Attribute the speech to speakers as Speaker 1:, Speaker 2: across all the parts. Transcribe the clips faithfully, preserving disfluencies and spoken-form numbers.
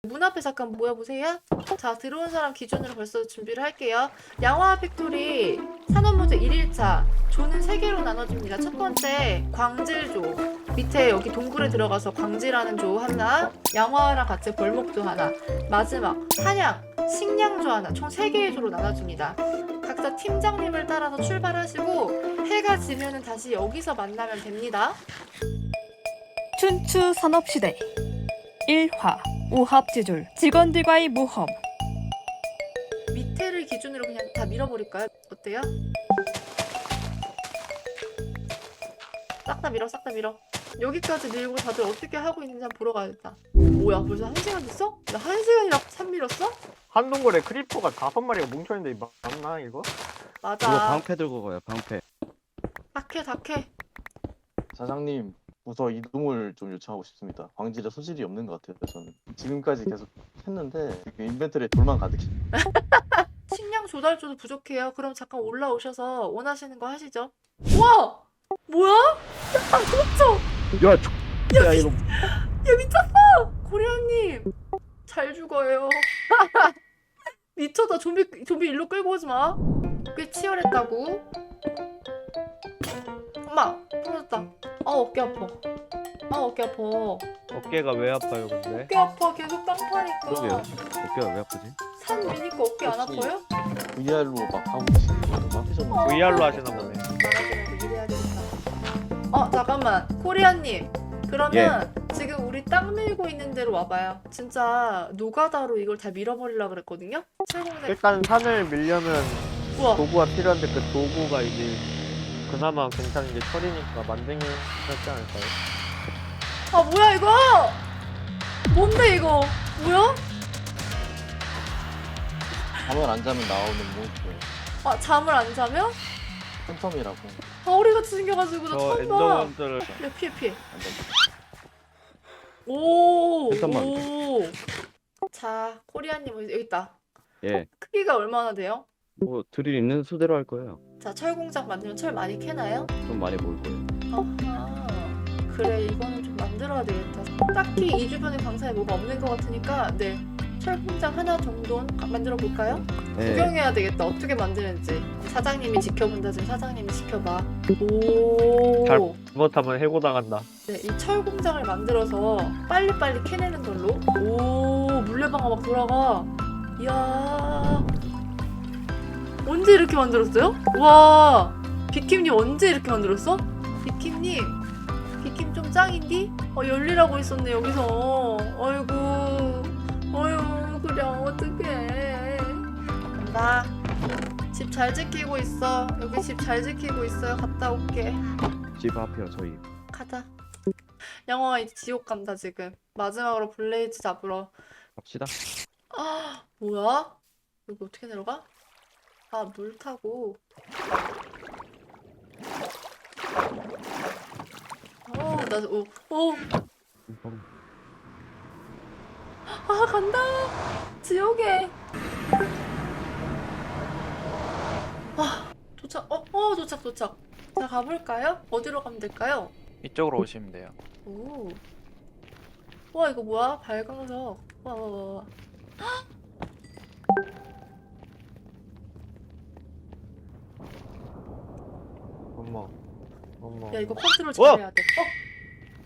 Speaker 1: 문 앞에 잠깐 모여보세요. 자, 들어온 사람 기준으로 벌써 준비를 할게요. 양화 팩토리 산업모드 일 일차 조는 세 개로 나눠집니다. 첫 번째 광질조, 밑에 여기 동굴에 들어가서 광질하는 조 하나, 양화랑 같이 벌목조 하나, 마지막 사냥, 식량조 하나, 총 세 개의 조로 나눠줍니다. 각자 팀장님을 따라서 출발하시고 해가 지면은 다시 여기서 만나면 됩니다.
Speaker 2: 춘추 산업시대 일화 오합지졸 직원들과의 모험.
Speaker 1: 밑에를 기준으로 그냥 다 밀어버릴까요? 어때요? 싹 다 밀어, 싹 다 밀어. 여기까지 밀고 다들 어떻게 하고 있는지 한번 보러 가야겠다. 뭐야, 벌써 한 시간 됐어? 나 한 시간이나 산 밀었어?
Speaker 3: 한 동굴에 크리퍼가 다섯 마리가 뭉쳐있는데 이거 맞나 이거?
Speaker 1: 맞아.
Speaker 4: 이거 방패 들고 가요, 방패.
Speaker 1: 탁해, 탁해.
Speaker 5: 사장님, 부서 이동을 좀 요청하고 싶습니다. 광질에 소질이 없는 것 같아요, 저는. 지금까지 계속 했는데 인벤토리에 돌만 가득해.
Speaker 1: 식량 조달조도 부족해요. 그럼 잠깐 올라오셔서 원하시는 거 하시죠. 우와! 뭐야? 야, 도쳐!
Speaker 4: 야, 저... 야 이거
Speaker 1: 야, 미쳤어! 코리아님! 잘 죽어요. 미쳤다. 좀비, 좀비 일로 끌고 오지 마. 꽤 치열했다고. 엄마! 떨어졌다. 아, 어깨 아파. 아, 어깨 아파.
Speaker 3: 어깨가 왜 아파요 근데?
Speaker 1: 어깨 아파. 계속 땅 파니까.
Speaker 4: 그러게요. 어깨가 왜 아프지?
Speaker 1: 산 미니까 어깨 안
Speaker 5: 혹시-
Speaker 1: 아파요?
Speaker 5: 브이알로 막 하고 계시는 거 너무 하셨는데.
Speaker 3: 브이알로 하시나 보네.
Speaker 1: 말하지 일해야 되겠다. 어, 잠깐만. 코리아님. 그러면 지금 우리 땅 밀고 있는 데로 와봐요. 진짜 노가다로 이걸 다 밀어버리려고 그랬거든요? 철공장.
Speaker 3: 일단 산을 밀려면
Speaker 1: 우와.
Speaker 3: 도구가 필요한데 그 도구가 이제 그나마 괜찮은 게 철이니까 만등이 하지 않을까요?
Speaker 1: 아, 뭐야 이거? 뭔데 이거? 뭐야?
Speaker 5: 잠을 안 자면 나오는 몬스터예요.
Speaker 1: 아, 잠을 안 자면?
Speaker 5: 팬텀이라고.
Speaker 1: 아, 우리같이 생겨가지고 나
Speaker 3: 저
Speaker 1: 처음 봐.
Speaker 3: 엔더먼트를
Speaker 1: 야, 피해 피해.
Speaker 5: 안 자면.
Speaker 1: 오.
Speaker 4: 잠깐만.
Speaker 1: 오. 자, 코리아님 여기 있다.
Speaker 4: 예.
Speaker 1: 크기가 얼마나 돼요?
Speaker 4: 뭐 드릴 있는 수대로 할 거예요.
Speaker 1: 자, 철공장 만들면 철 많이 캐나요?
Speaker 4: 좀 많이 모을 거예요.
Speaker 1: 아하. 그래, 이거는 좀 만들어야 되겠다. 딱히 이 주변에 광산에 뭐가 없는 것 같으니까 네, 철공장 하나 정도는 가- 만들어 볼까요?
Speaker 4: 예.
Speaker 1: 구경해야 되겠다. 어떻게 만드는지. 사장님이 지켜본다. 지금 사장님이 지켜봐. 오.
Speaker 3: 잘- 잘못하면 해고당한다.
Speaker 1: 네, 이 철공장을 만들어서 빨리빨리 캐내는 걸로. 오, 물레방아 막 돌아가. 이야. 언제 이렇게 만들었어요? 와, 비킴님 언제 이렇게 만들었어? 비킴님, 비킴 좀 짱인디? 어, 열리라고 있었네 여기서. 어이구, 어휴, 그래 어떡해. 간다. 집 잘 지키고 있어. 여기 집 잘 지키고 있어요. 갔다 올게.
Speaker 4: 집 앞이요, 저희.
Speaker 1: 가자. 영화가 이제 지옥 간다 지금. 마지막으로 블레이즈 잡으러.
Speaker 4: 갑시다.
Speaker 1: 아, 뭐야? 여기 어떻게 내려가? 아, 물 타고. 어, 나, 오, 오, 아, 간다. 지옥에. 아, 도착. 어, 어, 도착, 도착. 자, 가볼까요? 어디로 가면 될까요?
Speaker 6: 이쪽으로 오시면 돼요.
Speaker 1: 오. 와, 이거 뭐야? 발광석. 와, 와, 와, 와.
Speaker 3: 어머, 어머.
Speaker 1: 야, 이거 컨트롤
Speaker 3: 어!
Speaker 1: 잘해야 돼. 어?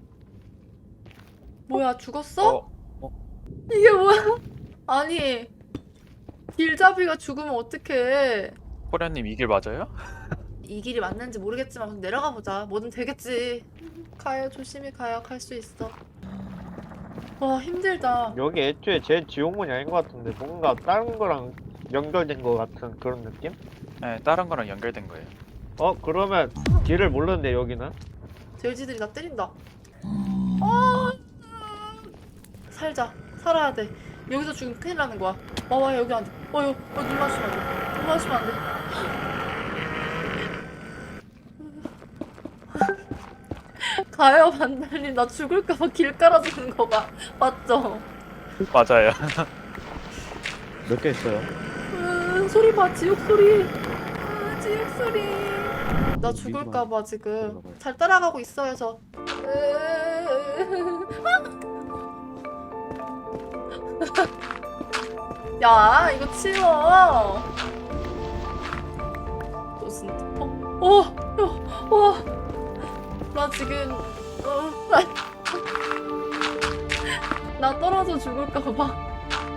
Speaker 1: 뭐야, 죽었어?
Speaker 6: 어,
Speaker 1: 이게 뭐야? 아니, 길잡이가 죽으면 어떡해.
Speaker 6: 호련님 이 길 맞아요?
Speaker 1: 이 길이 맞는지 모르겠지만 그럼 내려가 보자. 뭐든 되겠지. 가요, 조심히 가요. 갈 수 있어. 와, 힘들다.
Speaker 3: 여기 애초에 제 지옥문이 아닌 것 같은데 뭔가 다른 거랑 연결된 것 같은 그런 느낌?
Speaker 6: 네, 다른 거랑 연결된 거예요.
Speaker 3: 어 그러면 길을 모르는데 여기는?
Speaker 1: 돼지들이 나 때린다. 아, 살자. 살아야 돼. 여기서 죽으면 큰일 나는 거야. 와, 와, 여기 안 돼. 어, 여기, 어, 눈 마주치면 안 돼. 눈 마주치면 안 돼. 가요, 반달님. 나 죽을까봐 길 깔아주는 거 봐. 맞죠?
Speaker 6: 맞아요.
Speaker 4: 몇 개 있어요?
Speaker 1: 으, 소리 봐, 지옥 소리. 으, 지옥 소리. 나 죽을까봐 지금 잘 따라가고 있어요, 저. 으, 야 이거 치워. 너 진짜 어? 어? 야, 와. 나 지금 어, 나 떨어져 죽을까봐.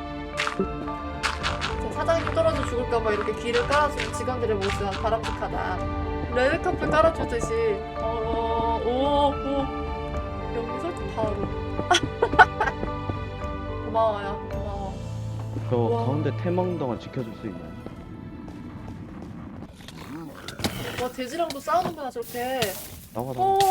Speaker 1: 저 사장님 떨어져 죽을까봐 이렇게 길을 깔아주는 직원들의 모습 바람직하다. 레드카펫 깔아주듯이. 어, 오, 오. 여기서 바로. 고마워요. 고마워.
Speaker 4: 저
Speaker 1: 우와.
Speaker 4: 가운데 태먹는 동안 지켜줄 수 있나요?
Speaker 1: 와 돼지랑도 싸우는구나 저렇게.
Speaker 4: 나와 나와.
Speaker 1: 어.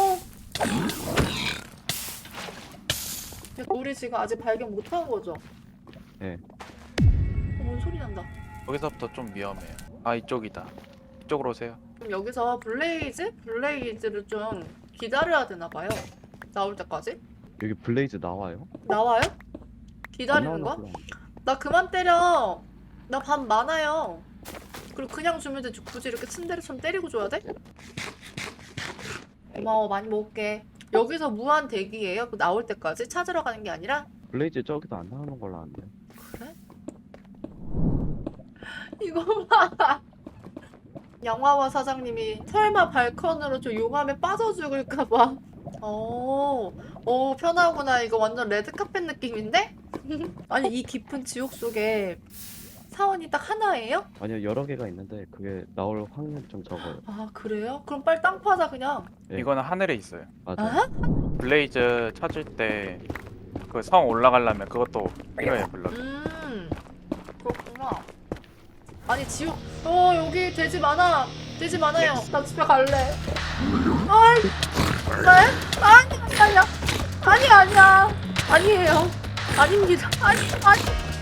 Speaker 1: 야, 우리 지금 아직 발견 못한 거죠?
Speaker 4: 네.
Speaker 1: 어, 뭔 소리 난다.
Speaker 6: 여기서부터 좀 위험해요. 아 이쪽이다. 이쪽으로 오세요.
Speaker 1: 그럼 여기서 블레이즈? 블레이즈를 좀 기다려야 되나 봐요. 나올 때까지?
Speaker 4: 여기 블레이즈 나와요?
Speaker 1: 나와요?
Speaker 4: 안
Speaker 1: 기다리는
Speaker 4: 나오나
Speaker 1: 거야?
Speaker 4: 보다.
Speaker 1: 나 그만 때려. 나 밥 많아요. 그리고 그냥 주면 되지 굳이 이렇게 침대를처럼 때리고 줘야 돼? 고마워 많이 먹을게. 여기서 무한 대기예요? 그 나올 때까지? 찾으러 가는 게 아니라?
Speaker 4: 블레이즈 저기도 안 나오는 걸로 아는데.
Speaker 1: 그래? 이거 봐. 양화와 사장님이 설마 발컨으로 저 용암에 빠져 죽을까봐. 어, 어 편하구나. 이거 완전 레드카펫 느낌인데? 아니 이 깊은 지옥 속에 사원이 딱 하나예요?
Speaker 4: 아니요 여러 개가 있는데 그게 나올 확률이 좀 적어요.
Speaker 1: 아 그래요? 그럼 빨리 땅 파자 그냥.
Speaker 4: 네.
Speaker 6: 이거는 하늘에 있어요.
Speaker 4: 맞아요.
Speaker 1: 아?
Speaker 6: 블레이즈 찾을 때 그 성 올라가려면 그것도 필요해요 블럭.
Speaker 1: 음 그렇구나. 아니 지옥 어 여기 돼지 많아. 돼지 많아요. 나 집에 갈래. 아이 네? 아니 아니 아니 아니 아니야 아니에요 아닙니다 아니 아니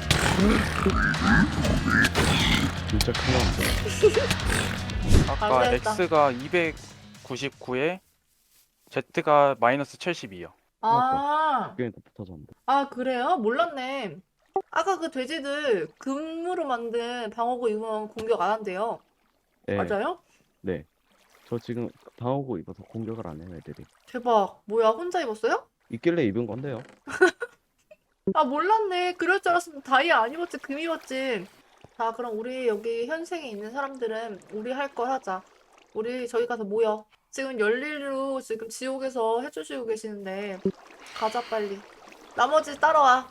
Speaker 4: 진짜 큰일인데.
Speaker 6: 아까
Speaker 1: 안 되겠다.
Speaker 6: X가 이백구십구에 Z가 마이너스 칠십이요.
Speaker 1: 아,
Speaker 4: 그게 붙어졌는데.
Speaker 1: 아 그래요? 몰랐네. 아까 그 돼지들 금으로 만든 방어구 입으면 공격 안 한대요.
Speaker 4: 네.
Speaker 1: 맞아요?
Speaker 4: 네. 저 지금 방어구 입어서 공격을 안 해요 애들이.
Speaker 1: 대박. 뭐야 혼자 입었어요?
Speaker 4: 있길래 입은 건데요.
Speaker 1: 아 몰랐네. 그럴 줄 알았으면 다이아 안 입었지 금 입었지. 자 그럼 우리 여기 현생에 있는 사람들은 우리 할 걸 하자. 우리 저기 가서 모여. 지금 열일로 지금 지옥에서 해주시고 계시는데 가자 빨리. 나머지 따라와.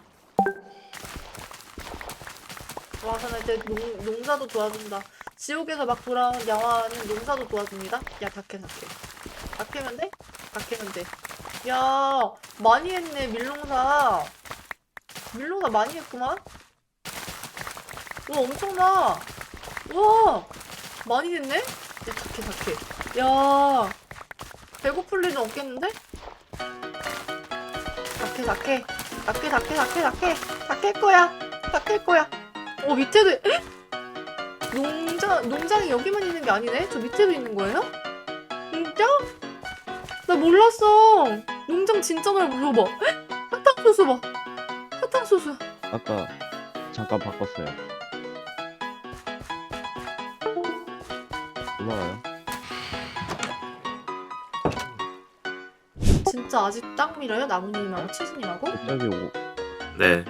Speaker 1: 와 나 이제 농, 농사도 도와준다. 지옥에서 막 돌아온 양화는 농사도 도와줍니다. 야 닭해 닭해. 닭해면 돼? 닭해면 돼. 야 많이 했네 밀농사. 밀농사 많이 했구만. 와 엄청나. 와 많이 됐네. 야 닭해 닭해. 야 배고플 일은 없겠는데? 닭해 닭해 닭해 닭해 닭해 닭해 닭할 거야 닭할 거야. 어 밑에도 에? 농장 농장이 여기만 있는 게 아니네. 저 밑에도 있는 거예요? 진짜? 나 몰랐어. 농장 진짜 넓어. 봐. 사탕수수 봐. 사탕수수.
Speaker 4: 아까 잠깐 바꿨어요. 올라가요.
Speaker 1: 진짜 아직 땅 밀어요? 나무님하고 치즈님하고?
Speaker 4: 갑자기 오
Speaker 7: 네.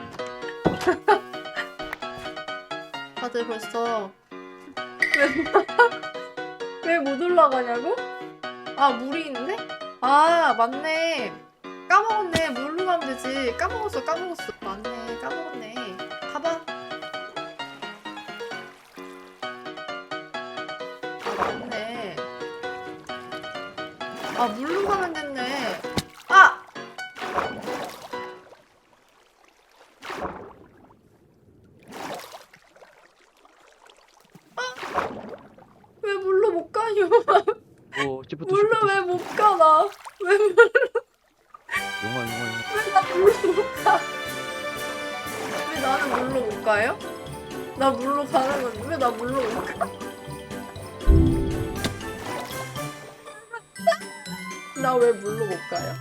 Speaker 1: 다들 벌써 왜 못 올라가냐고? 아 물이 있는데? 아 맞네. 까먹었네. 물로 가면 되지. 까먹었어 까먹었어. 맞네 까먹었네. 가봐. 아 맞네. 아 물로 가면 됐네. 아! 왜 물로 못 가요?
Speaker 4: 오 시프트
Speaker 1: 물로
Speaker 4: 시프트
Speaker 1: 왜 못 가? 나 왜 물로
Speaker 4: 용화 용화 용화.
Speaker 1: 왜 나 물로 못 가? 왜 나는 물로 못 가요? 나 물로 가는 건데 왜 나 물로 못 가? 나 왜 물로 못 가요?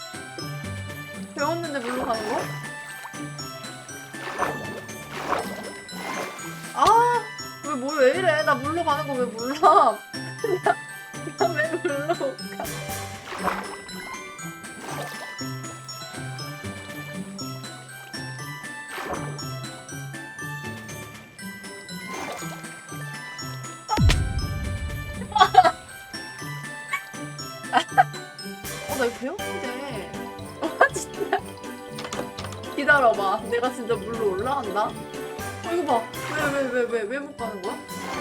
Speaker 1: 배웠는데 물로 가는 거? 아, 왜, 뭐, 왜 이래? 나 물로 가는 거 왜 몰라? 나 왜 물로 못 가? 기다려봐. 내가 진짜 물로 올라간다. 어, 이거 봐. 왜 왜 왜 왜 왜 못 가는 거야?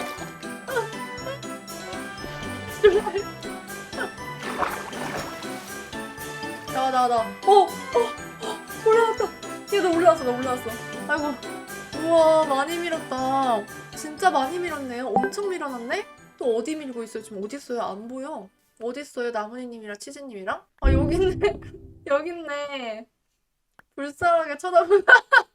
Speaker 1: 나 나 나. 어, 어, 어, 올라왔다. 얘 나 올라왔어, 나 올라왔어. 아이고. 우와, 많이 밀었다. 진짜 많이 밀었네요. 엄청 밀어놨네? 또 어디 밀고 있어요? 지금 어디 있어요? 안 보여. 어디 있어요? 나무니님이랑 치즈님이랑? 아, 여기 있네. 여기 있네. 불쌍하게 쳐다보나.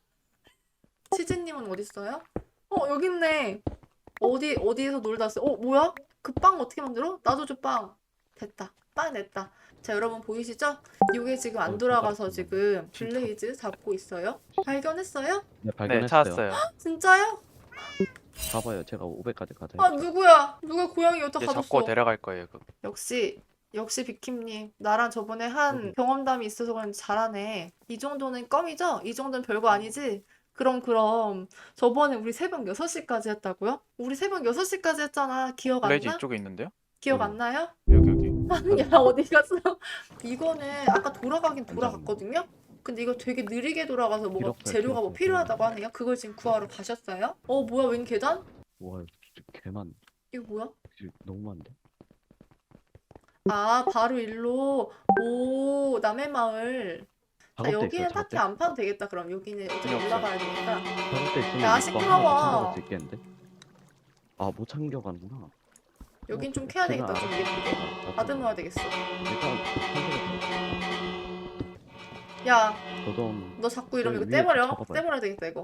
Speaker 1: 치즈님은 어디 있어요? 어, 여기 있네. 어디, 어디에서 놀다 왔어요? 어, 뭐야? 그 빵 어떻게 만들어? 나도 줘, 빵. 됐다. 빵 냈다. 자, 여러분 보이시죠? 이게 지금 안
Speaker 4: 어,
Speaker 1: 돌아가서
Speaker 4: 진짜.
Speaker 1: 지금 블레이즈 잡고 있어요. 발견했어요?
Speaker 4: 네,
Speaker 6: 네,
Speaker 4: 발견했어요.
Speaker 6: 찾았어요.
Speaker 1: 진짜요?
Speaker 4: 봐봐요. 제가 오백까지 가자.
Speaker 1: 아, 누구야? 누가 고양이 여기다
Speaker 6: 이제
Speaker 1: 가뒀어?
Speaker 6: 잡고 데려갈 거예요. 그거.
Speaker 1: 역시 역시 비킴님 나랑 저번에 한
Speaker 4: 음.
Speaker 1: 경험담이 있어서 그런지 잘하네. 이 정도는 껌이죠? 이 정도는 별거 아니지? 그럼 그럼 저번에 우리 새벽 여섯 시까지 했다고요? 우리 새벽 여섯 시까지 했잖아. 기억 안
Speaker 6: 블레이즈
Speaker 1: 나?
Speaker 6: 이쪽에 있는데요?
Speaker 1: 기억
Speaker 4: 음.
Speaker 1: 안 나요?
Speaker 6: 여기 여기.
Speaker 1: 야 어디 갔어? 이거는 아까 돌아가긴 돌아갔거든요? 근데 이거 되게 느리게 돌아가서 뭐가
Speaker 4: 필요 없어요,
Speaker 1: 재료가
Speaker 4: 필요
Speaker 1: 뭐
Speaker 4: 없어요.
Speaker 1: 필요하다고 하네요? 그걸 지금 구하러 가셨어요? 어 뭐야 웬 계단?
Speaker 4: 와, 진짜 개만.
Speaker 1: 이거 뭐야?
Speaker 4: 진짜 너무 많은데?
Speaker 1: 아 바로 일로 오 남의 마을 자,
Speaker 4: 작업대 있어요.
Speaker 1: 여기는 딱히
Speaker 4: 작업대.
Speaker 1: 안 파도 되겠다. 그럼 여기는 어차피
Speaker 6: 필요 없어요.
Speaker 1: 올라가야 되니까.
Speaker 4: 작업대 있으면
Speaker 1: 야,
Speaker 4: 이거
Speaker 1: 시끄러워.
Speaker 4: 하나 챙겨갈 수 있겠는데? 아, 못 챙겨가는구나.
Speaker 1: 여긴
Speaker 4: 어,
Speaker 1: 좀 캐야 되겠다.
Speaker 4: 제가
Speaker 1: 좀 예쁘게.
Speaker 4: 알아서-
Speaker 1: 다듬어야 되겠어.
Speaker 4: 일단
Speaker 1: 야,
Speaker 4: 저도
Speaker 1: 너 자꾸 이러면
Speaker 4: 여기
Speaker 1: 이거
Speaker 4: 위에
Speaker 1: 떼버려.
Speaker 4: 잡아봐요.
Speaker 1: 떼버려야 되겠다 이거.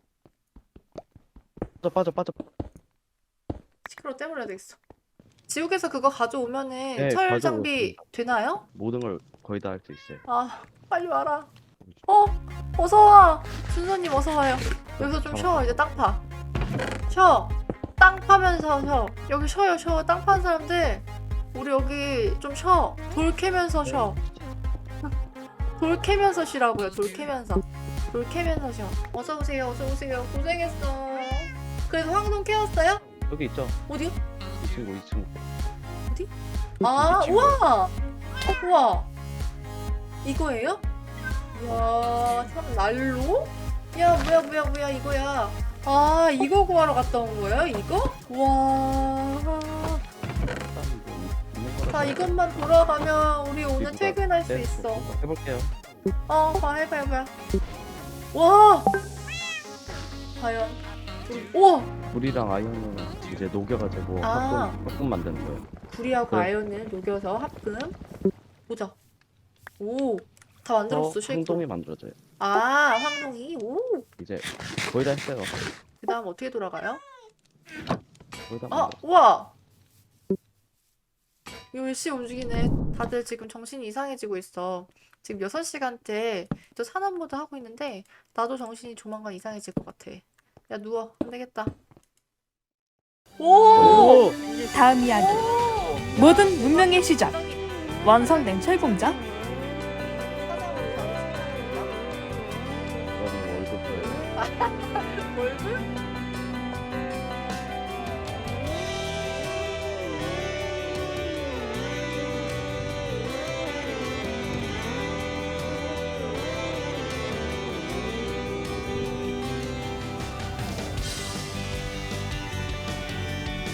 Speaker 4: 빠져 빠져 빠져.
Speaker 1: 시끄러워 떼버려야 되겠어. 지옥에서 그거 가져오면은
Speaker 4: 네,
Speaker 1: 철
Speaker 4: 가져오고
Speaker 1: 장비
Speaker 4: 있습니다.
Speaker 1: 되나요?
Speaker 4: 모든 걸 거의 다 할 수 있어요.
Speaker 1: 아, 빨리 와라. 어, 어서 와. 순서님 어서 와요. 여기서 좀 쉬어. 이제 땅 파. 쉬어. 땅 파면서 쉬어. 여기 쉬어요, 쉬어. 땅 파는 사람들. 우리 여기 좀 쉬어. 돌 캐면서 쉬어. 돌 캐면서 쉬라고요. 돌 캐면서. 돌 캐면서 쉬어. 어서 오세요. 어서 오세요. 고생했어. 그래서 황동 캐웠어요?
Speaker 4: 여기 있죠?
Speaker 1: 어디요?
Speaker 4: 이 친구 이 친구.
Speaker 1: 아,
Speaker 6: 친구.
Speaker 1: 우와! 어, 우와! 이거예요? 이야, 참 날로? 야, 뭐야, 뭐야, 뭐야, 이거야. 아, 이거 구하러 갔다 온 거예요? 이거? 와. 자, 이것만 돌아가면 우리 오늘
Speaker 4: 누가-
Speaker 1: 퇴근할 수
Speaker 4: 네,
Speaker 1: 있어.
Speaker 4: 해볼게요.
Speaker 1: 어, 봐, 해봐, 해봐. 와! 과연. 우와!
Speaker 4: 불이랑 아이언은 이제 녹여가지고
Speaker 1: 아.
Speaker 4: 합금 합금 만드는 거예요.
Speaker 1: 구리하고
Speaker 4: 네.
Speaker 1: 아연을 녹여서 합금. 보자. 오, 다 만들었어, 쉐이크.
Speaker 4: 행동이 만들어져요.
Speaker 1: 아, 황동이. 오.
Speaker 4: 이제 거의 다 했어요.
Speaker 1: 그 다음 어떻게 돌아가요?
Speaker 4: 거의 다
Speaker 1: 아,
Speaker 4: 만들었어요.
Speaker 1: 우와! 이거 열심히 움직이네. 다들 지금 정신이 이상해지고 있어. 지금 여섯 시간째 저 산업모드 하고 있는데 나도 정신이 조만간 이상해질 것 같아. 야, 누워. 안 되겠다. 오!
Speaker 2: 다음 이야기. 모든 문명의 시작. 완성된 철공장.
Speaker 4: 이거는 월급 줘요.
Speaker 1: 월급?